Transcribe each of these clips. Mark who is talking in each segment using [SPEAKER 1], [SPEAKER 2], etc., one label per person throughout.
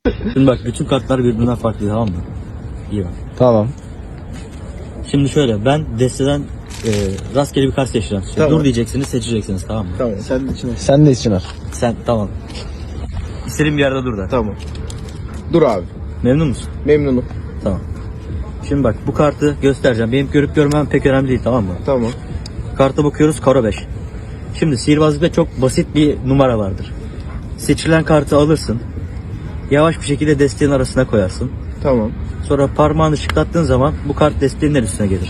[SPEAKER 1] Şimdi bak bütün kartlar birbirinden farklı, tamam mı? İyi bak.
[SPEAKER 2] Tamam.
[SPEAKER 1] Şimdi şöyle, ben desteden rastgele bir kart seçeceğim.
[SPEAKER 2] Tamam.
[SPEAKER 1] Dur diyeceksiniz, seçeceksiniz, tamam mı?
[SPEAKER 2] Tamam. Sen de içine. Sen de içine.
[SPEAKER 1] Sen tamam. İstediğin bir yerde dur da.
[SPEAKER 2] Tamam. Dur abi.
[SPEAKER 1] Memnun musun?
[SPEAKER 2] Memnunum.
[SPEAKER 1] Tamam. Şimdi bak bu kartı göstereceğim. Benim görüp görmem pek önemli değil, tamam mı?
[SPEAKER 2] Tamam.
[SPEAKER 1] Karta bakıyoruz, karo 5. Şimdi sihirbazlıkta çok basit bir numara vardır. Seçilen kartı alırsın. Yavaş bir şekilde desteğin arasına koyarsın.
[SPEAKER 2] Tamam.
[SPEAKER 1] Sonra parmağını şıklattığın zaman bu kart desteğin üstüne gelir.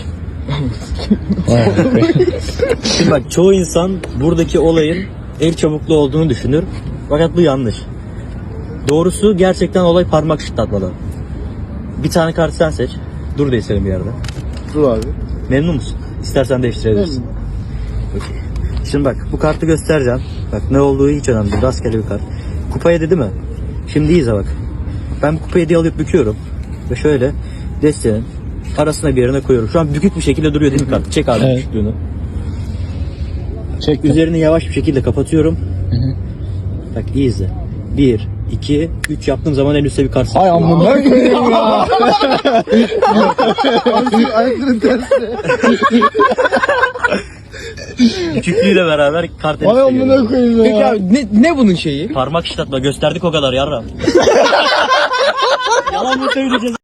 [SPEAKER 1] Şimdi bak çoğu insan buradaki olayın el çabukluğu olduğunu düşünür. Fakat bu yanlış. Doğrusu gerçekten olay parmak şıklatmadan. Bir tane kart sen seç. Dur diye senin bir yerde.
[SPEAKER 2] Dur abi.
[SPEAKER 1] Memnun musun? İstersen değiştirebilirsin. Okey. Şimdi bak bu kartı göstereceğim. Bak ne olduğu hiç önemli değil. Rastgele bir kart. Kupa 7 değil mi? Şimdi iyiyiz bak. Ben bu kupa 7'yi alıp büküyorum. Ve şöyle desteğin arasına bir yerine koyuyorum. Şu an bükük bir şekilde duruyor değil mi kart? Çek abi büküklüğünü.
[SPEAKER 2] Çek.
[SPEAKER 1] Üzerini yavaş bir şekilde kapatıyorum. Bak iyi izle. 1, 2, 3 yaptığım zaman en üstte bir kart.
[SPEAKER 2] Ay amına koyayım ya. Ayakların tersi.
[SPEAKER 1] Büküklüğüyle beraber kart en
[SPEAKER 2] Ay
[SPEAKER 1] üstte geliyor.
[SPEAKER 2] amına koyayım ya.
[SPEAKER 3] Peki abi ne bunun şeyi?
[SPEAKER 1] Parmak şıklatma gösterdik o kadar yarram. Yalan mı söyleyeceğiz?